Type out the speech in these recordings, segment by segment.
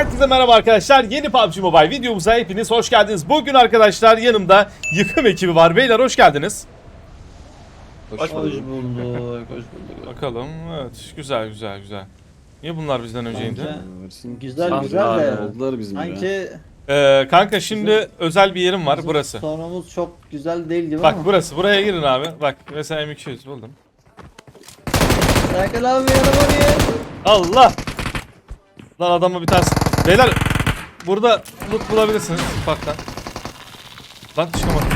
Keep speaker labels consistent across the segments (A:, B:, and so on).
A: Herkese merhaba arkadaşlar. Yeni PUBG Mobile videomuza hepiniz hoş geldiniz. Bugün arkadaşlar yanımda yıkım ekibi var. Beyler hoş geldiniz.
B: Hoş bulduk. Hoş bulduk.
A: Bakalım. Evet. Güzel. Niye bunlar bizden önce indi?
B: Güzel
C: güzel de
B: oldular bizim ya.
C: sanki
A: Kanka şimdi özel bir yerim var burası.
C: sonumuz çok güzel değil gibi
A: Bak
C: ama.
A: burası. Buraya girin abi. Bak mesela M200 buldum.
C: Serkan abi yanıma gel.
A: Allah! Lan adamı bir tanesi. Beyler burada loot bulabilirsiniz ufaktan. Lan çıkamadım.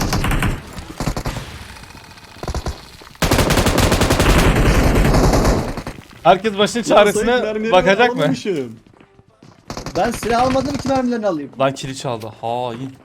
A: Herkes başının çaresine bakacak mı?
C: Ben silah almadım ki mermilerini alayım.
A: Lan kili çaldı. Hain.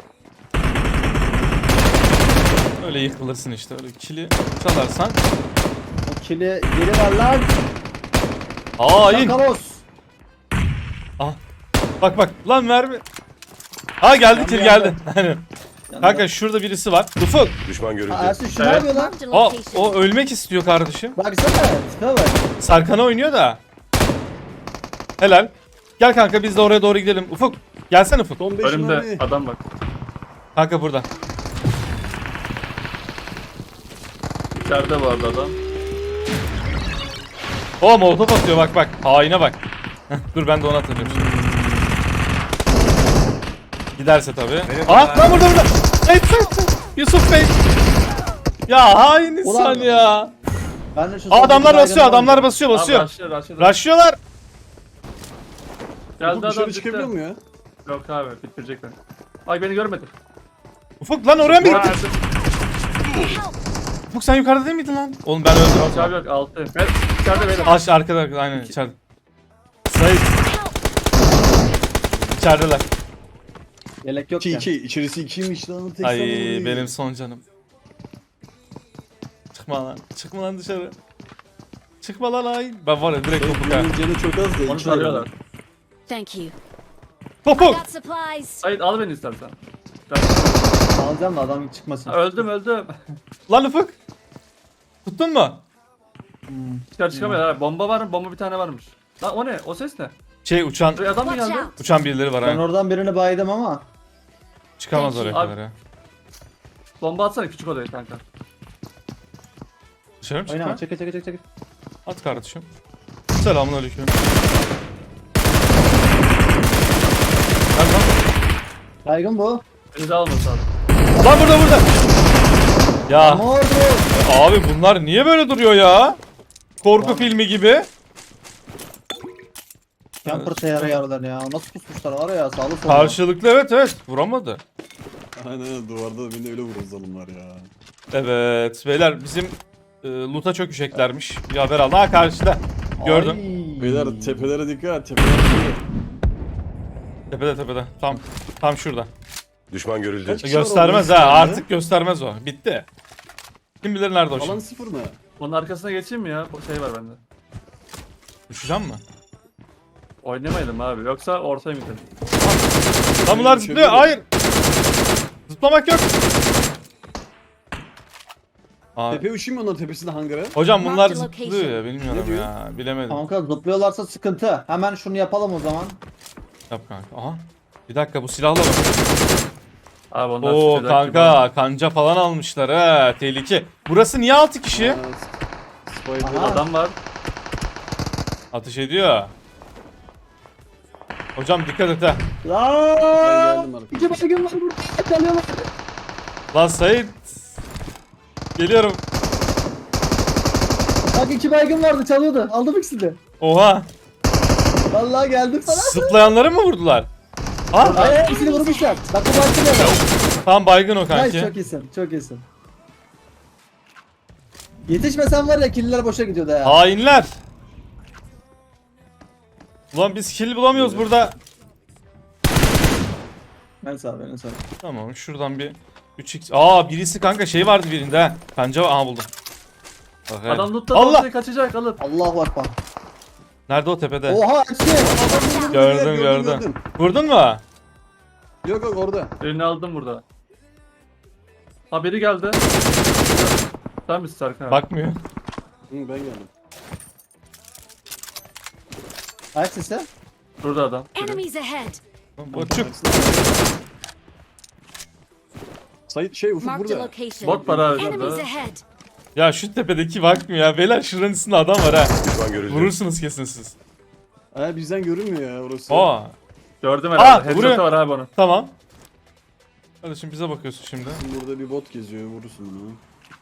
A: Öyle yıkılırsın işte. Öyle kili çalarsan.
C: O kili geri ver lan.
A: Hain.
C: Şakalos.
A: Ah. Bak. Lan mermi. Ha geldi kill geldi. Aynen. Kanka şurada birisi var. Ufuk.
D: Düşman görüldü.
C: Ersin şu ne yapıyor lan?
A: O ölmek istiyor kardeşim.
C: Baksana tipe bak.
A: Sarkan'a oynuyor da. Helal. Gel kanka biz de oraya doğru gidelim. Ufuk. Gelsene Ufuk.
B: Önümde adam bak.
A: Kanka burada.
B: İçeride bu arada adam.
A: O molotof atıyor bak. Haine bak. Heh, dur ben de onu atacağım şimdi. Giderse tabii. Lan burada. Hey. Yusuf Bey. Ya hain insan
C: Ulan.
A: ya.
C: Ben de şu
A: Adamlar
C: soldaki
A: basıyor.
C: baygını
A: Adamlar
C: alayım.
A: basıyor.
B: Abi
A: Rushlıyorlar.
B: Geldi adam
E: Dışarı çıkabiliyor mu ya?
B: Yok abi bitirecek beni. Ay beni görmedi.
A: Ufuk lan oraya mı
B: Bu
A: gittin?
B: Ersin.
A: Ufuk sen yukarıda değil miydin lan? Oğlum ben öldüm.
B: Yok abi yok altı. Evet içeride beyler.
A: Arkada aynen içeride. Sayın. İçerideler.
C: Yelek yok
E: 2
C: ya.
E: 2 içerisi 2'ymiş lan tek
A: Ay
E: sanırım.
A: benim son canım. Çıkma lan dışarı. Çıkma lan ay. Ben var ya direkt topuk ha.
E: Benim canı çok az da
B: Onu
E: iki
B: tarıyorlar.
F: Thank you.
A: Topuk.
F: Got supplies.
B: Sayın al beni istersen.
C: Alacağım da adam çıkmasın.
B: Ha, öldüm.
A: Lan Ufuk. Tuttun mu?
B: Çıkar çıkamıyor abi. Bomba var mı? Bomba bir tane varmış. Lan o ne? O ses ne?
A: Uçan
B: Buraya adam mı
F: Watch
B: geldi?
F: out.
A: uçan birileri var
C: Ben
A: ha.
C: oradan birini baydım ama.
A: Çıkamaz oraya
B: Abi.
A: kadar ya.
B: Bomba atsana küçük odaya kanka.
A: Dışarı mı
C: Oynama
A: çıkma?
C: çek.
A: At kardeşim. Selamünaleyküm. Lan.
C: Baygın bu.
B: Beni de almasın abi.
A: Lan burada. Ya
C: Ne oldu?
A: abi bunlar niye böyle duruyor ya? Korku filmi gibi.
C: Camper teyara yarılar ya. Nasıl pusmuşlar var ya sağlı sollu.
A: Karşılıklı evet vuramadı.
E: Aynen duvarda beni öyle vurur zalimler ya.
A: Evet beyler bizim loot'a çökeceklermiş. Bir haber aldı. Ha karşıda. Gördüm.
C: Ay.
E: Beyler tepelere dikkat tepelere dikkat.
A: Tepede. Tam şurada.
D: Düşman görüldü.
E: Kaç kişi var
A: Göstermez
E: orada?
A: ha. Artık göstermez o. Bitti. Kim bilir nerede o
E: Alan
A: şimdi.
E: sıfır mı?
B: Onun arkasına geçeyim mi ya? Bu şey var bende.
A: Düşeceğim mi?
B: Oynamayalım abi. Yoksa ortaya mı gidelim?
A: Lan bunlar zıplıyor. Hayır. Zıplamak yok. Aa,
E: Tepe uçayım mı onların tepesinde hangara?
A: hocam bunlar
F: Mark the
A: zıplıyor ya.
F: location.
A: Bilmiyorum
E: Ne diyor?
A: ya. Bilemedim.
C: Kanka zıplıyorlarsa sıkıntı. Hemen şunu yapalım o zaman.
A: Yap kanka. Aha. Bir dakika bu silahla bak.
B: Abi onlar
A: Oo
B: sıkacak gibi.
A: kanka kanca falan almışlar ha. Tehlike. Burası niye 6 kişi?
E: Spider.
C: Aha.
B: Adam var.
A: Ateş ediyor. Hocam dikkat et ha.
E: Ben
C: Lan!
E: geldim artık.
C: İki baygın var burada. Çalıyorlar.
A: Lan Sait. Geliyorum.
C: Bak iki baygın vardı çalıyordu. Aldım ikisini.
A: Oha.
C: Vallahi geldim sana.
A: Zıplayanları mı vurdular? Ha?
C: Ay ikisini vurmuşlar. Bak bu baygın ya.
A: Tam baygın o
C: Ay
A: kanki.
C: çok iyisin. Çok iyisin. Yetişmesen var ya killer boşa gidiyordu ya.
A: Hainler. Ulan biz kill bulamıyoruz burada.
C: Ben sağ ben sağ.
A: Tamam şuradan bir 3x. Aa birisi kanka şey vardı birinde ha. Kanca var. Aha buldum. Bak, evet.
B: Adam loot'ta
A: Allah!
B: ortaya kaçacak alıp.
C: Allahu akbar.
A: Nerede o tepede?
C: Oha Ersin.
A: Gördüm. Vurdun mu?
E: Yok orada.
B: Birini aldım burada. Ha biri geldi. Sen misin Serkan abi?
A: Bakmıyor.
E: Hı, ben geldim.
C: Ersin sen.
B: Burada adam.
D: Enemies ahead.
A: Boçuk.
E: Sayit şey Ufuk
D: Marked a
E: burada.
D: location.
B: Bot var abi
D: Enemies
B: orada.
D: ahead.
A: Ya şu tepedeki bakmıyor ya. Beyler şuranın üstünde adam var ha.
F: Düşman görüldü.
A: Vurursunuz kesin siz.
E: Bizden görünmüyor ya orası.
A: Aa,
B: Gördüm herhalde.
A: buraya-
B: Headshot'ı var abi onun.
A: tamam. Kardeşim bize bakıyorsun şimdi.
E: Burada bir bot geziyor vurursun bunu.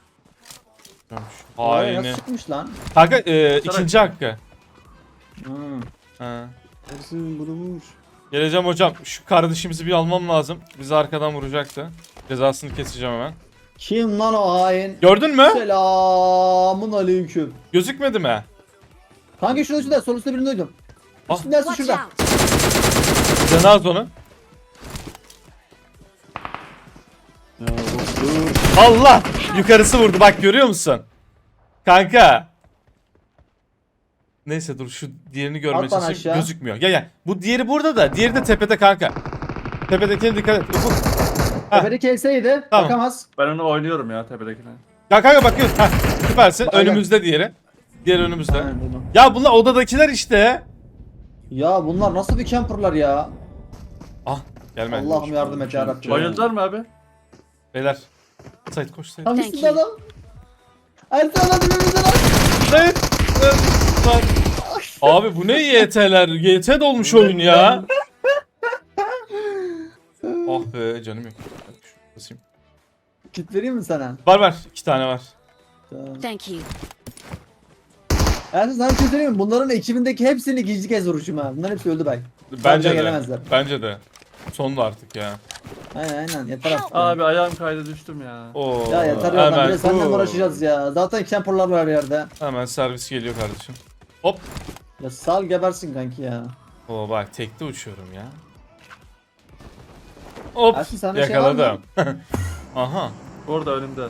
C: Oraya
A: Haini.
C: nasıl çıkmış lan?
A: Kanka ikinci hakkı.
C: Hmm.
A: Ha.
E: Ersin bunu vur.
A: Geleceğim hocam. Şu kardeşimizi bir almam lazım. Bizi arkadan vuracaktı. Cezasını keseceğim hemen.
C: Kim lan o hain?
A: Gördün mü?
C: Selamun aleyküm.
A: Gözükmedi mi?
C: Kanka şurada sol üstte birini duydum.
A: Ah.
C: Üstünde
D: Watch
C: şurada.
D: out.
A: Cenaz onu.
E: Ya bot dur.
A: Allah! Yukarısı vurdu. Bak görüyor musun? Kanka. Neyse dur şu diğerini görmeye
C: At bana
A: çalışayım.
C: aşağı.
A: Gözükmüyor. Gel gel. Bu diğeri burada da. Diğeri de tepede kanka. Tepedekine dikkat et. Ufuk. Ha.
C: Tepedeki elseydi
A: Tamam.
C: bakamaz.
B: Ben onu oynuyorum ya tepedekine.
A: Ya kanka bakıyorsun. Heh, süpersin.
C: Aynen.
A: Önümüzde diğeri. Diğer önümüzde.
C: Aynen, duydum.
A: Ya bunlar odadakiler işte.
C: Ya bunlar nasıl bir camperlar ya?
A: Ah gelme.
C: Allah'ım yardım et yarabbim.
B: Bayıldılar mı abi?
A: Beyler. Sait koş Sait.
C: Tam
D: Thank
C: üstünde
D: you.
C: adam. Ersin adam dibimizde lan.
A: Sait. Lan. Abi bu ne YT'ler? YT dolmuş oyun ya. Ah be canım yok. Basayım.
C: Kit vereyim mi sana?
A: Var 2 tane var.
C: Tamam.
D: Thank you.
C: Ersin sana bir şey söyleyeyim mi? Bunların ekibindeki hepsini ikinci kez vuruşum ha. Bunların hepsi öldü bak.
A: Bence de.
C: gelemezler.
A: Bence de. Sondu artık ya.
C: Aynen yeter artık.
B: Abi ayağım kaydı düştüm ya.
A: Oo.
C: Ya yeter ya lan bir de
A: Hemen,
C: senden uğraşacağız ya. Zaten camperlar var her yerde.
A: hemen servis geliyor kardeşim. Hop.
C: Ya sal gebersin kanki ya.
A: Oo bak tekte uçuyorum ya. Hop.
C: Ersin sana şey var
A: Yakaladım. Aha.
B: Orada önümde.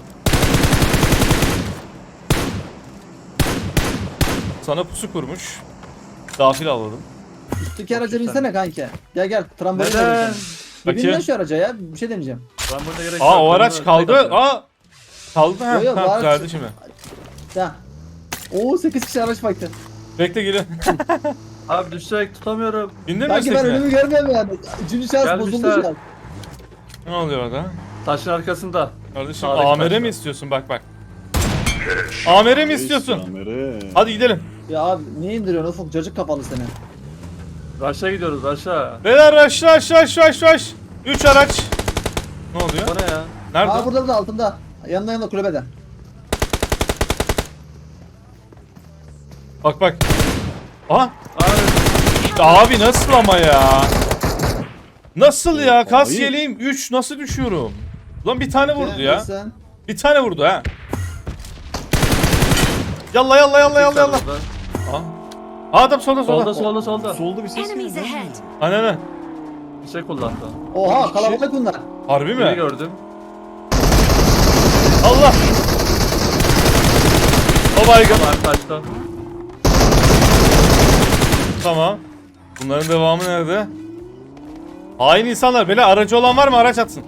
A: Sana pusu kurmuş. Dafil alalım.
C: Üstteki araca binsene kanki. Gel trambolin
B: Neden?
C: deneyeceğim. Bir bin
A: Bakayım.
C: lan şu araca ya. Bir şey deneyeceğim.
B: Ben burada gerek
A: Aa
B: yok.
A: o
B: Ben
A: araç
B: bunu
A: kaldı.
B: tek atıyorum.
A: Aa. Kaldı ha.
C: Yo, yo, bu
A: Tamam
C: araç-
A: geldi şimdi.
C: Ya. Oo 8 kişi araç baktı.
A: Bekle geliyor.
B: Abi düşecek tutamıyorum.
A: Bindin mi
C: Kanki ben
A: üsttekine?
C: önümü görmüyorum yani. Üçüncü şans
B: Gelmişler.
C: bozuldu şu an.
A: Ne oluyor orada?
B: Taşın arkasında.
A: Kardeşim
B: Sağdaki
A: amere
B: taşla.
A: mi istiyorsun bak. Amere mi istiyorsun?
E: Kamera.
A: Hadi gidelim.
C: Ya abi niye indiriyorsun Ufuk? Cacık kafalı seni.
B: Aşağı gidiyoruz aşağı.
A: Beyler aşağı. 3 araç. Ne oluyor?
B: O ne ya?
A: Nerede?
C: Aa burada altında. Yanında kulübede.
A: Bak. Aha.
B: Abi
A: Abi nasıl ama ya? Nasıl ya? Kas
E: Hayır.
A: yeleğim 3 nasıl düşüyorum? Lan bir tane vurdu ya.
C: Sen.
A: Bir tane vurdu ha. Yalla.
B: burada.
A: Aa. Aa, adam solda.
B: Solda.
E: Solda bir ses
D: Enemies
E: geldi.
D: ahead.
A: Aynen.
B: Bir şey kullandı.
C: Oha kalabalık bunlar.
A: Harbi
B: Beni
A: mi?
B: gördüm.
A: Allah. O baygın.
B: Abi taşta.
A: Tamam. Bunların devamı nerede? Hain insanlar. Böyle aracı olan var mı? Araç atsın.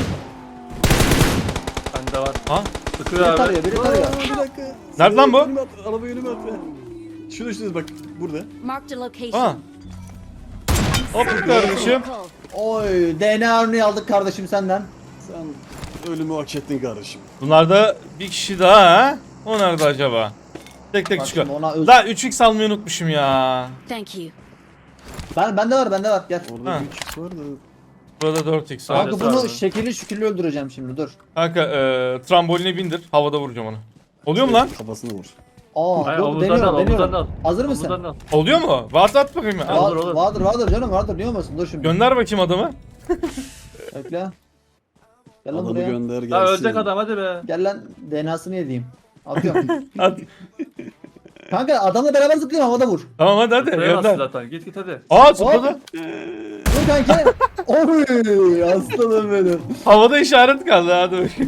B: Bende var.
A: Ha?
B: Sıkıyor
C: Biri
B: abi.
C: tarıyor, biri tarıyor.
E: Bir dakika.
A: Nerede lan bu?
E: Önüme at, arabayı önüme at. Şurada bak burada.
D: Marked a
A: Ha.
D: location.
A: Hop kardeşim.
D: Vehicle.
C: Oy DNA örneği aldık kardeşim senden.
E: Sen ölümü hak ettin kardeşim.
A: Bunlarda bir kişi daha ha? O nerede acaba? Tek
C: Bak
A: çıkıyor.
C: şimdi ona öz-
A: La 3x almayı unutmuşum ya.
D: Thank you.
C: Bende var gel.
E: Orada
A: Ha.
E: bir çift var da.
A: Burada 4x var.
B: Abi.
C: Kanka bunu şekilli şükürlü öldüreceğim şimdi dur.
A: Kanka tramboline bindir. Havada vuracağım onu. Oluyor mu lan?
E: Kafasına vur.
C: Aa
B: Hayır,
C: dur
B: omuzdan
C: deniyorum
B: al, omuzdan al.
C: deniyorum. Hazır mısın?
B: Omuzdan al.
A: Oluyor mu? At bakayım ya.
B: Olur, olur.
C: Vardır canım vardır niye olmasın dur şimdi.
A: Gönder bakayım adamı.
C: Bekle. Gel lan
E: Adamı
C: buraya.
E: gönder gelsin.
B: Ha ölecek adam hadi be.
C: Gel lan DNA'sını yediğim. Atıyorum.
A: At.
C: Kanka adamla beraber zıplayalım havada vur.
A: Tamam hadi
B: Buraya bas
A: gönder.
B: zaten. Git hadi.
A: Aa zıpladı.
C: Dur kanki. Oy aslanım benim.
A: Havada işaret kaldı hadi bakayım.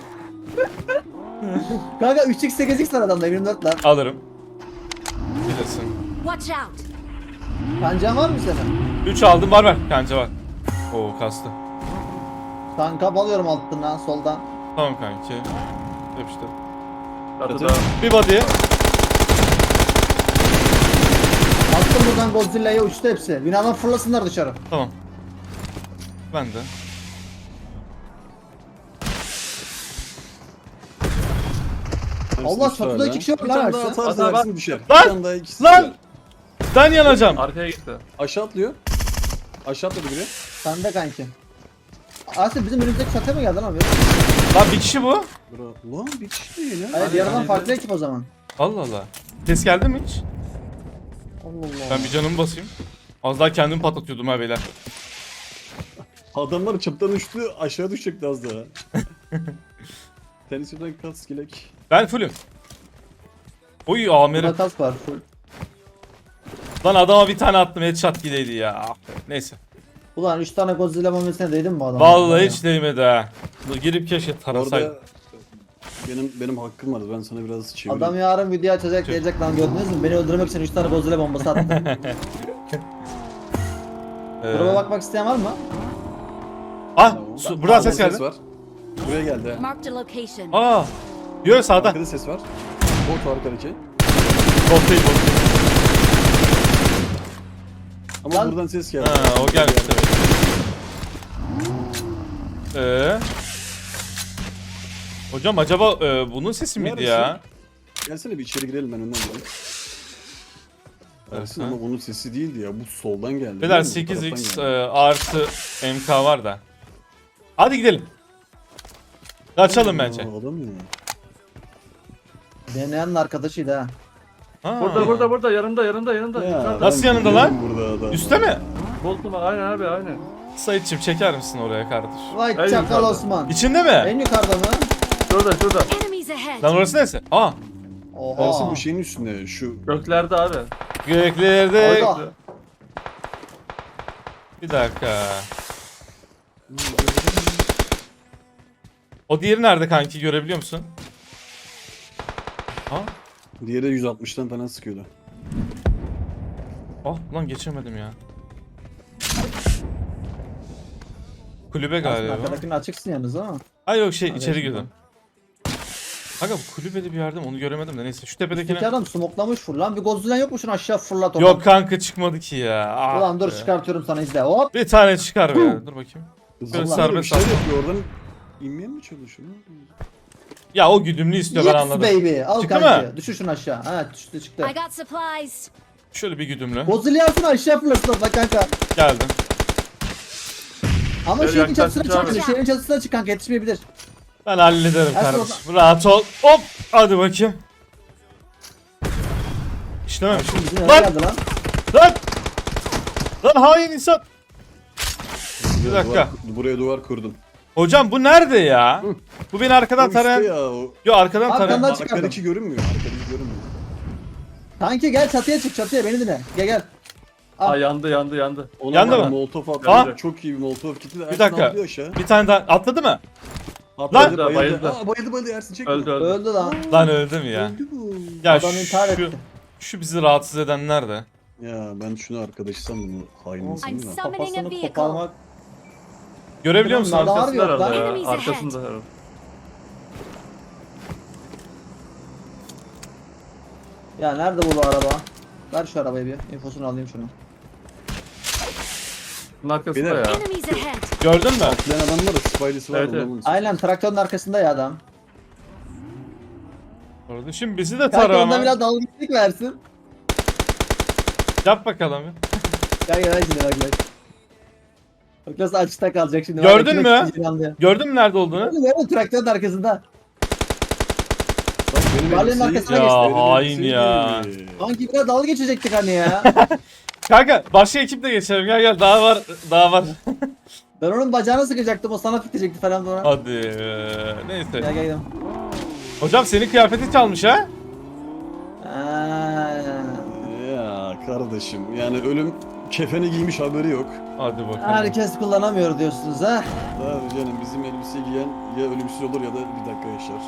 C: Kanka 3x 8x var adamda 24 lan.
A: Alırım. Bilirsin.
D: Watch out.
C: Kancan var mı senin?
A: 3 aldım var kanca var. Oo kastı.
C: Kanka alıyorum altından soldan.
A: Tamam kanki. Yapıştır.
B: Çatıda.
A: Bir body.
C: Attım buradan Godzilla'ya uçtu hepsi. Binadan fırlasınlar dışarı.
A: Tamam. Ben de.
C: Allah
E: Ersin,
C: çatıda
E: şu
C: 2 kişi var
E: Bir
C: lan
E: tane daha
C: Ersin.
E: atarsa
B: Hadi bak.
E: Ersin düşer.
A: Lan!
E: Bir tane daha ikisi
A: Lan!
E: düşer.
A: Ben yanacağım.
B: Arkaya gitti.
E: Aşağı atlıyor. Aşağı atladı biri.
C: Sen de kanki. Ersin bizim önümüzdeki çatıya mı geldin abi?
A: Lan bir kişi bu.
E: Bravo. Lan bir kişi değil ya.
C: Hayır diğer adam
B: yani-
C: farklı ekip o zaman.
A: Allah Allah. Ses geldi mi hiç?
C: Allah Allah.
A: Ben bir canımı basayım. Az daha kendimi patlatıyordum ha beyler.
E: Adamlar çaptan uçtu aşağı düşecekti az daha. Tenisinden kas skilek.
A: Ben fullüm. Oy Amer'im.
C: Burada kas var. Full.
A: Lan adama bir tane attım headshot gideydi ya. Ah be. Neyse.
C: Ulan 3 tane Godzilla bombasına değdin mi bu adama?
A: Vallahi hiç değmedi ha. Girip keşke tarasaydım.
E: Orada benim hakkım vardı. Ben sana biraz çevireyim.
C: Adam yarın video açacak diyecek lan gördünüz mü? Beni öldürmek için 3 tane Godzilla bombası attı. Gruba bakmak isteyen var mı?
A: Ah,
E: Tamam.
A: buradan ses
E: Sağdan
A: geldi.
E: var. Buraya geldi. ha.
D: Marked a location.
A: Aa. Yok sağda.
E: Arkada ses var. Bot arkadaki.
A: Bot değil bot.
E: Ama
C: Lan.
E: buradan ses geldi.
A: Ha o gelmiş evet. Hocam acaba bunun sesi miydi
E: Neresi?
A: ya?
E: Gelsene bir içeri girelim, ben önden gireyim. Ersin ama onun sesi değildi ya. Bu soldan geldi.
A: Beyler
E: değil mi? Bu
A: 8x
E: taraftan geldi.
A: artı MK var da. Hadi gidelim. Kaçalım bence.
E: Aa, adam ya.
C: Deneyenin arkadaşıydı ha.
A: Ha.
B: Burada yanında. Yukarıda.
A: Nasıl
E: ben
A: yanında lan?
E: biliyorum burada adam.
A: Üste mi?
B: Buldum aynen abi aynen.
A: Sayitçim çeker misin oraya kardeş?
C: Vay
B: En
C: çakal
B: yukarıda.
C: Osman.
A: İçinde mi?
C: En yukarıda mı?
B: Şurada.
D: Enemies ahead.
A: Lan orası neresi? Aa.
C: Oha.
E: Ersin bu şeyin üstünde şu.
B: Göklerde abi.
A: Göklerde.
C: Orada.
A: Bir dakika. O diğeri nerede kanki görebiliyor musun? Ha?
E: Diğeri 160'tan falan sıkıyordu.
A: Ah lan geçemedim ya. Kulübe
C: Aslında
A: galiba.
C: arkadakini açıksın yalnız ama.
A: Ay yok şey
C: Hadi
A: içeri
C: şimdi.
A: girdim. Aga bu kulübeli bir yerde onu göremedim de neyse şu
C: İki
A: tepedekine.
C: adam smoklamış full lan. Bir Godzilla yok mu şunu aşağı fırlat onu.
A: Yok kanka çıkmadı ki ya. Ah
C: Ulan dur
A: be.
C: çıkartıyorum sana izle. Hop.
A: Bir tane çıkar be. Dur bakayım.
E: Zıplıyor,
A: serbest
E: bir şeyler
A: atma.
E: yapıyor oradan. İnmeye mi çalışıyor?
A: Ya o güdümlü istiyor ben
C: Yes
A: anladım.
C: baby. Al
A: Çıktı
C: kanki.
A: mı?
C: Düşür şunu aşağı. Ha düştü çıktı.
D: I got supplies.
A: Şöyle bir güdümlü.
C: Godzilla yapsın aşağı fırlasın bak kanka.
A: Geldim.
C: Ama
B: Gel,
C: şeyin
B: gel,
C: çatısına
B: gel,
C: çık.
B: gel.
C: Şeyin çatısına çık kanka yetişmeyebilir.
A: Ben hallederim
C: Ersin
A: kardeşim. Rahat ol. Hop. Hadi bakayım. İşlememiş.
C: Bizim eve
A: Lan!
C: geldi lan.
A: Lan! Lan hain insan. Bir dakika.
E: Buraya duvar kurdum.
A: Hocam bu nerede ya? Bu beni arkadan
E: O üstte
A: tarayan.
E: ya o.
A: Yo arkadan
C: Arkandan
A: tarayan.
C: çıkardım.
E: Arkadaki görünmüyor. Arkadaki görünmüyor.
C: Kanki gel çatıya çık çatıya beni dinle. Gel.
B: Aa yandı.
E: Ona
A: Yandı
E: bak,
A: mı?
E: Molotof attı.
A: Aa!
E: Çok iyi bir molotof gitti de Ersin
A: dakika.
E: atlıyor aşağı.
A: Bir tane daha atladı mı?
E: Atladı,
B: Lan!
E: bayıldı.
B: Bayıldı.
E: Bayıldı Ersin çekme.
B: Öldü.
C: Öldü lan.
A: Lan öldü mü ya?
E: Öldü bu.
A: Ya
C: Adam intihar
A: şu,
C: etti.
A: şu bizi rahatsız eden nerede?
E: Ya ben şunu arkadaşısam bunu hain
C: I'm
E: insanım da.
D: Summoning a
C: Kafasını
D: vehicle.
C: koparmak.
A: Görebiliyor musun?
C: Adam var
B: Arkasında
C: yok lan.
B: herhalde ya.
D: Enemies ahead.
B: Arkasında herhalde.
C: Ya nerede bu araba? Ver şu arabayı bir. İnfosunu alayım şunu.
B: Bunun arkasında
E: Beyler.
B: ya.
D: Enemies ahead.
A: Gördün mü?
E: Atlayan adam var da Spidey'si var.
B: Evet,
E: ondan
B: evet.
E: bunu-
C: Aynen traktörün arkasında ya adam.
A: Orada şimdi bizi de
C: Kanka
A: tara
C: onda
A: ama.
C: biraz dalga geçtik versin.
A: Yap bakalım.
C: Gel gel şimdi bak. Bak nasıl açıkta kalacak şimdi.
A: Gördün
C: Bak,
A: mü?
C: ekmek yiyeceğim anlıyor.
A: Gördün mü nerede olduğunu?
C: Gördün mü? Traktörün arkasında.
E: Bak benim
C: Barley'nin
E: elbiseyi-
C: arkasına
A: Ya,
C: geçti.
E: benim
A: hain
E: elbiseyi
A: ya.
E: giydi.
C: Sanki biraz dalga geçecektik hani ya.
A: Kanka başka ekiple geçelim. Gel daha var. Daha var.
C: Ben onun bacağını sıkacaktım o sana fitecekti falan sonra.
A: Hadi. Neyse.
C: Gel gel gidelim.
A: Hocam senin kıyafeti çalmış ha?
E: Ya kardeşim yani ölüm kefeni giymiş haberi yok.
A: Hadi bakalım.
C: Herkes kullanamıyor diyorsunuz ha.
E: Abi canım bizim elbise giyen ya ölümsüz olur ya da bir dakika yaşar.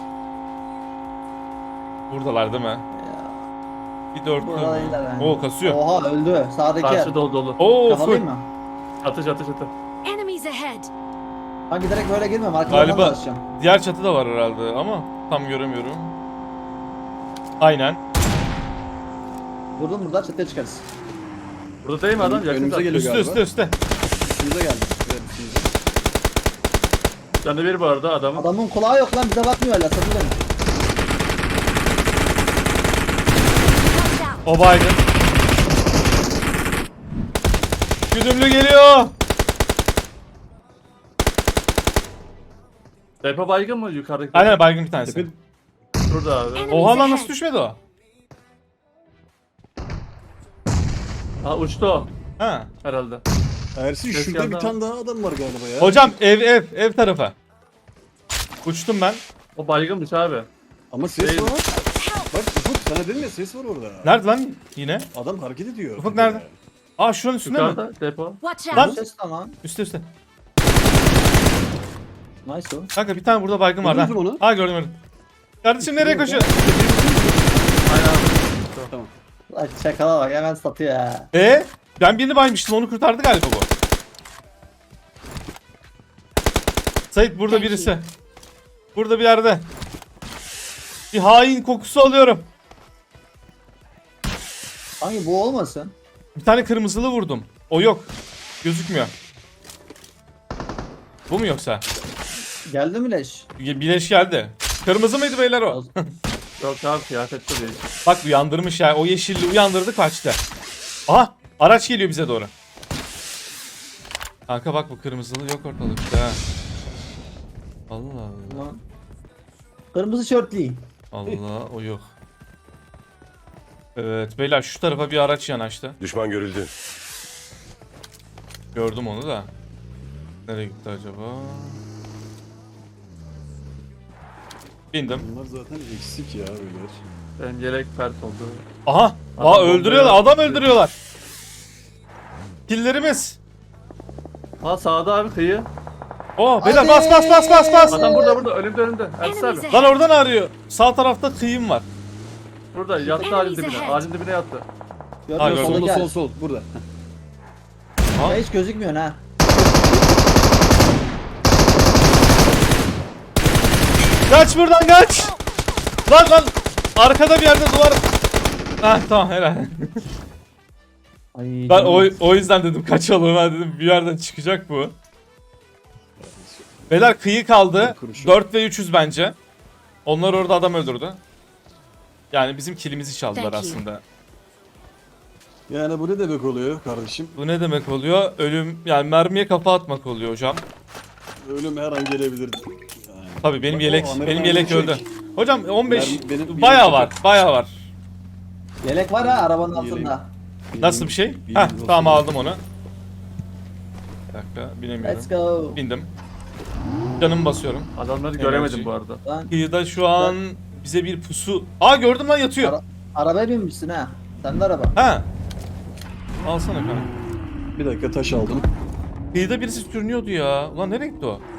A: Buradalar değil mi? Bir dörtlü.
C: Burada değiller yani.
A: Oo kasıyor.
C: Oha öldü. Sağdaki yer.
B: Karşı dolu.
A: Oo full.
C: Kafalayayım mı?
B: Atış.
D: Enemies ahead.
C: Hangi direkt böyle girmem. Arkadan
A: Galiba
C: dolaşacağım.
A: diğer çatı da var herhalde ama tam göremiyorum. Aynen.
C: Vurdum burada çatıya çıkarız.
B: Burada değil mi adam? Yakın
E: Önümüze
B: zaten.
E: geliyor
A: Üstte
E: galiba.
A: üstte üstte.
E: Üstümüze geldi. Evet, üstümüze.
B: Canı bir bu arada adamın.
C: Adamın kulağı yok lan bize bakmıyor hala satıyor mu?
D: Watch out!
A: O baygın. Güdümlü geliyor.
B: Depo baygın mı yukarıdaki?
A: Aynen baygın bir tanesi.
E: Tepe
B: Burada abi.
A: Oha lan nasıl düşmedi o?
B: Ha uçtu o
E: Ah.
A: Ha.
B: herhalde.
E: Ersin
B: Ses
E: şurada
B: geldi
E: bir
B: ama.
E: tane daha adam var galiba ya.
A: Hocam ev tarafa. Uçtum ben.
B: O baygınmış abi.
E: Ama ses
B: Değil.
E: var. Bak Ufuk sana dedim ya ses var orada.
A: Nerede lan yine?
E: Adam hareket ediyor.
A: Ufuk nerede? Aa şuranın üstünde mi?
B: Yukarıda depo.
D: Watch
A: Lan-
D: out!
C: Ses tamam.
A: Üstte üstte.
C: Nice o.
A: Kanka bir tane burada baygın var lan.
E: Gördünüz mü onu?
A: Ha gördüm. Kardeşim nereye koşuyor?
B: Aynen abi.
E: Tamam.
C: Lan çakala bak hemen satıyor ya.
A: Ben birini baymıştım onu kurtardı galiba bu. Sait burada
D: Thank
A: birisi. Burada bir yerde. Bir hain kokusu alıyorum.
C: Hangi bu olmasın?
A: Bir tane kırmızılı vurdum. O yok. Gözükmüyor. Bu mu yoksa?
C: Geldi mi leş?
A: Bileş geldi. Kırmızı mıydı beyler o?
B: Yok abi kıyafetli değil.
A: Bak uyandırmış ya. O yeşilli uyandırdı kaçtı. Aha araç geliyor bize doğru. Kanka bak bu kırmızılı yok ortalıkta. Ha. Allah Allah.
C: Lan. Kırmızı şortli.
A: Allah o yok. Evet beyler şu tarafa bir araç yanaştı.
F: Düşman görüldü.
A: Gördüm onu da. Nereye gitti acaba? Bindim.
E: Bunlar zaten eksik ya beyler.
B: Benim yelek pert oldu.
A: Aha!
B: Adam
A: Aa öldürüyorlar.
B: bombayı-
A: Adam öldürüyorlar. Killerimiz.
B: Ha sağda abi kıyı.
A: Oh beyler bas bas bas bas bas.
B: Adam burada önümde. Ersin
D: Enemies
B: abi.
A: Lan
D: ahead!
A: oradan arıyor. Sağ tarafta kıyım var.
B: Burada yattı
D: Enemies
B: ağacın dibine.
D: ahead.
B: Ağacın dibine yattı.
C: Gördün mü?
A: gördüm.
C: Sola
E: Solda
C: gel.
E: sol burada.
C: Ya hiç gözükmüyor ha.
A: Kaç buradan kaç. Lan arkada bir yerde duvar. Ah tamam helal.
C: Ay,
A: Ben
C: canım.
A: o yüzden dedim kaçalım ha dedim bir yerden çıkacak bu. Beyler kıyı kaldı.
E: Kurşun.
A: 4 ve 300 bence. Onlar orada adam öldürdü. Yani bizim kilimizi çaldılar
D: Thank you.
A: aslında.
E: Yani bu ne demek oluyor kardeşim?
A: Bu ne demek oluyor? Ölüm yani mermiye kafa atmak oluyor hocam.
E: Ölüm her an gelebilir. Yani.
A: Tabii benim
E: Bak,
A: yelek
E: o Amerikan
A: benim yelek
E: çek.
A: öldü. Hocam 15
E: Benim
A: bayağı
E: yelek
A: var.
E: çek.
A: Bayağı var.
C: Yelek var ha arabanın
E: Yelek.
C: altında.
A: Nasıl bir şey?
E: Bilginiz
A: Heh
E: olsun.
A: tamam aldım onu. Bir dakika binemiyorum.
C: Let's go.
A: Bindim. Canımı basıyorum.
B: Adamları
A: Enerji.
B: göremedim bu arada.
C: Lan
A: Kıyıda şu an bize bir pusu. Aa gördüm lan yatıyor.
C: arabaya binmişsin ha. Sen de araba.
A: Ha. Alsana kanka.
E: Bir dakika taş aldım.
A: Kıyıda birisi sürünüyordu ya. Ulan nereye gitti o?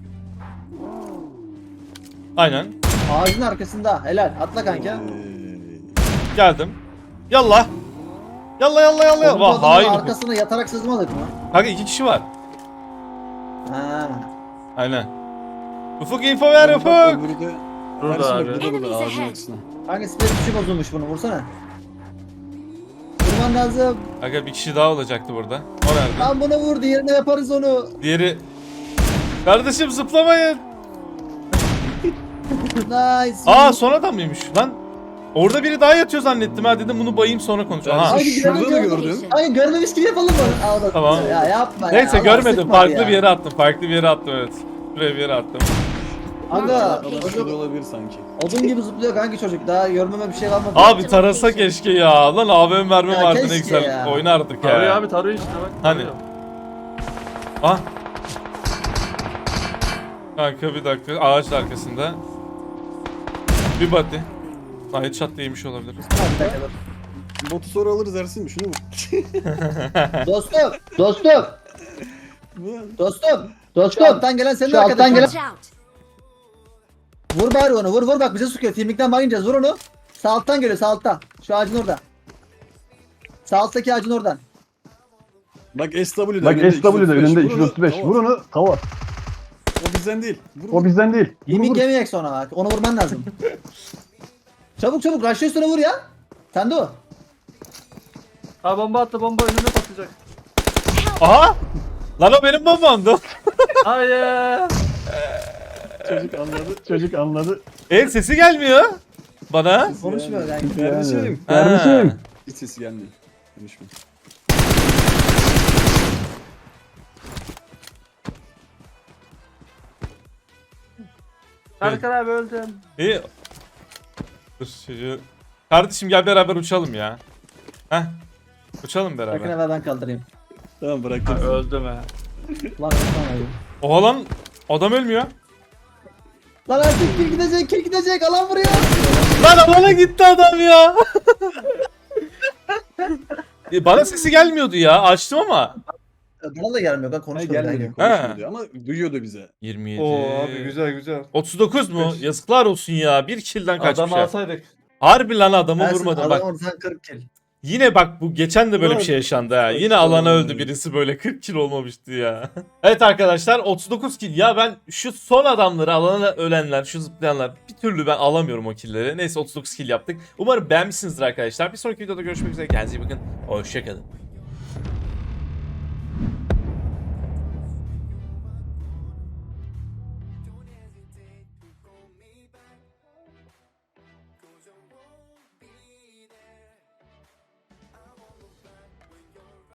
A: Aynen.
C: Ağacın arkasında. Helal. Atla kanka.
A: Geldim. Yallah. Yallah yallah yallah.
C: Oğlum, bu
A: Vah
C: adamın
A: hain.
C: arkasına yatarak sızmadık mı?
A: Kanka 2 kişi var.
C: Ha.
A: Aynen. Ufuk info ver
E: Bak,
A: Ufuk.
E: öbürü de-
B: Burada
E: Ersin bak,
B: abi.
E: burada
D: Enemies
E: ağacın
D: ahead.
E: arkasına.
C: Hangi spes tuşu bozulmuş bunu vursana. Vurman lazım.
A: Aga bir kişi daha olacaktı burada. O nerede?
C: Lan bunu vur diğerine yaparız onu.
A: Diğeri... Kardeşim zıplamayın.
C: Nice.
A: Aa son adam mıymış lan? Orada biri daha yatıyor zannettim ha dedim bunu bayayım sonra konuşalım. Ha.
C: Haydi
E: Şurada da
C: gidelim,
E: gördüm.
C: Hayır görmemiş gibi yapalım bunu. Aa, o da-
A: Tamam.
C: Ya yapma ya.
A: Neyse
C: Allah
A: görmedim
C: sıkma
A: farklı
C: ya.
A: bir yere attım farklı bir yere attım evet. Şuraya bir yere attım.
C: Aga
E: Adam şurada
C: çocuk
E: olabilir sanki.
C: odun gibi zıplıyor kanki çocuk. Daha görmeme bir şey kalmadı.
A: Abi tarasa keşke ya. Lan AVM mermi
C: Ya
A: vardı ne
C: keşke
A: güzel
C: ya.
A: oynardık
B: Tarıyor
A: ya.
B: abi tarıyor işte bak.
A: Hani?
B: tarıyor.
A: Ah. Kanka bir dakika ağaç arkasında. Bir body. Ha headshot değmiş olabilir.
C: Ha, bir dakika dur.
E: Botu sonra alırız Ersin mi? Şunu mu?
C: Dostum. Dostum. Dostum. Dostum. Alttan gelen senin arkadaşın.
D: Watch out!
C: Vur bari onu. Vur bak bize sıkıyor. Timlikten bayınacağız. Vur onu. Sağ alttan geliyor sağ alttan. Şu ağacın orada. Sağ alttaki ağacın oradan.
E: Bak SW'de
G: Bak SW'de önünde
E: Vur onu,
G: 235.
E: tamam.
G: Vur onu. Tava.
E: O bizden değil. Vur
G: O bizden değil. Vur,
C: Yemin
G: vur.
C: yemeyek sonra bak. Onu vurman lazım. Çabuk çabuk. Rush'ı üstüne vur ya. Sen de o.
B: Ha bomba attı, bomba önüne patlayacak.
A: Aha! Lan o benim bombamdı.
B: Hayır.
E: Çocuk anladı. Çocuk anladı.
A: Sesi gelmiyor bana.
C: Konuşmuyor yani.
E: Kardeşim.
A: Ha.
E: Hiç sesi gelmiyor. Konuşma.
B: Erkan abi öldüm.
A: İyi. Dur çocuğu. Kardeşim gel beraber uçalım ya. Heh. Uçalım
C: Bakın
A: beraber.
C: evvel ben kaldırayım.
E: Tamam
B: Ha,
E: bıraktım.
B: öldüm he.
C: Lan Osman.
A: Oha lan adam ölmüyor.
C: Lan artık kill gidecek alan vuruyor.
A: Lan alana gitti adam ya. Bana sesi gelmiyordu ya. Açtım ama.
C: Bana da gelmiyor ben
E: Ha,
C: konuşmuyorum.
E: gelmedi
C: yani.
E: konuşmuyordu ama duyuyordu bize.
A: 27.
B: Oo abi güzel güzel.
A: 39 mu? Yazıklar olsun ya. Bir kill'den kaçmış
B: Adamı
A: ya.
B: alsaydık.
A: Harbi lan adamı
C: Ben
A: vurmadım.
C: adam
A: Bak
C: oradan 40 kill.
A: yine bak bu geçen de böyle bir
E: Ulan,
A: şey yaşandı ha. Yine
E: saçma
A: alana
E: ya.
A: öldü birisi böyle 40 kill olmamıştı ya. Evet arkadaşlar 39 kill. Ya ben şu son adamları alana ölenler, şu zıplayanlar bir türlü ben alamıyorum o killleri. Neyse 39 kill yaptık. Umarım beğenmişsinizdir arkadaşlar. Bir sonraki videoda görüşmek üzere. Kendinize iyi bakın. Hoşçakalın.